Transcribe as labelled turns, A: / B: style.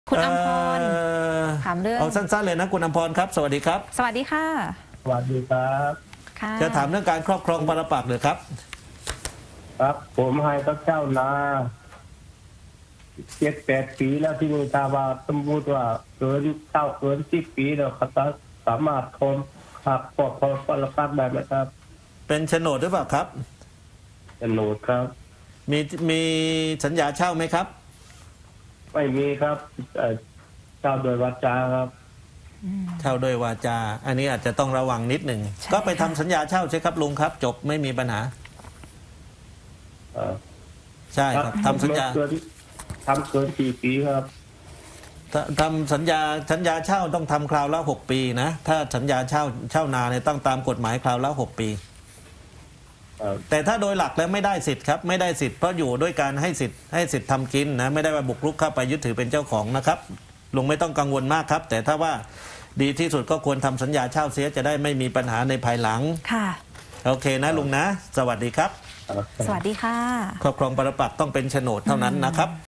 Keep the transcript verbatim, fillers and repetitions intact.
A: คุณอำพร
B: เอ่อ
A: ถามเรื่อง
B: เอาสั้นๆเลยนะคุณอำพรครับสวัสดีครับ
A: สวัสดีค่ะ
C: สวัสดีครับ
A: ค่ะ
B: จะถามเรื่องการครอบครองปรปักษ์หรือครับ
C: ครับผมให้พระเจ้านาเจ็ดแปดปีแล้วที่นี่ถ้าว่าสมมติว่าเกินเท่าเกินสิบปีแล้วเขาจะสามารถทนขับปลอดภัยปรปักษ์ได้ไหมครับ
B: เป็นโฉนดหรือเปล่าครับ
C: เป็นโหนดครับ
B: มีมีสัญญาเช่าไหมครับ
C: ไม่มีครับเอ่อเจ้าโดยวาจาครับ
B: เช่าโดยวาจา อันนี้อาจจะต้องระวังนิดหนึ่ง
A: ใช่
B: ก็ไปทำ
A: ค่ะ
B: สัญญาเช่าใช่ครับลุงครับ จบไม่มีปัญหา
C: เอ่อ
B: ใช่ครับทำสัญญา
C: เกินทำเกินสี่ปีครับ
B: ททำสัญญาสัญญาเช่าต้องทำคราวละหกปีนะถ้าสัญญาเช่าเช่านาเนี่ยต้องตามกฎหมายคราวละหกปี
C: เอ่อ
B: แต่ถ้าโดยหลักแล้วไม่ได้สิทธิ์ครับไม่ได้สิทธิ์เพราะอยู่ด้วยการให้สิทธิ์ให้สิทธิ์ทำกินนะไม่ได้ว่าบุกรุกเข้าไปยึดถือเป็นเจ้าของนะครับลุงไม่ต้องกังวลมากครับ แต่ถ้าว่าดีที่สุดก็ควรทำสัญญาเช่าเสียจะได้ไม่มีปัญหาในภายหลัง
A: ค่ะ
B: โอเคนะลุงนะ สวัสดีครับ
C: เอ่อ
A: สวัสดีค่ะ
B: ครอบครองปรปักษ์ต้องเป็นโฉนดเท่านั้นนะครับ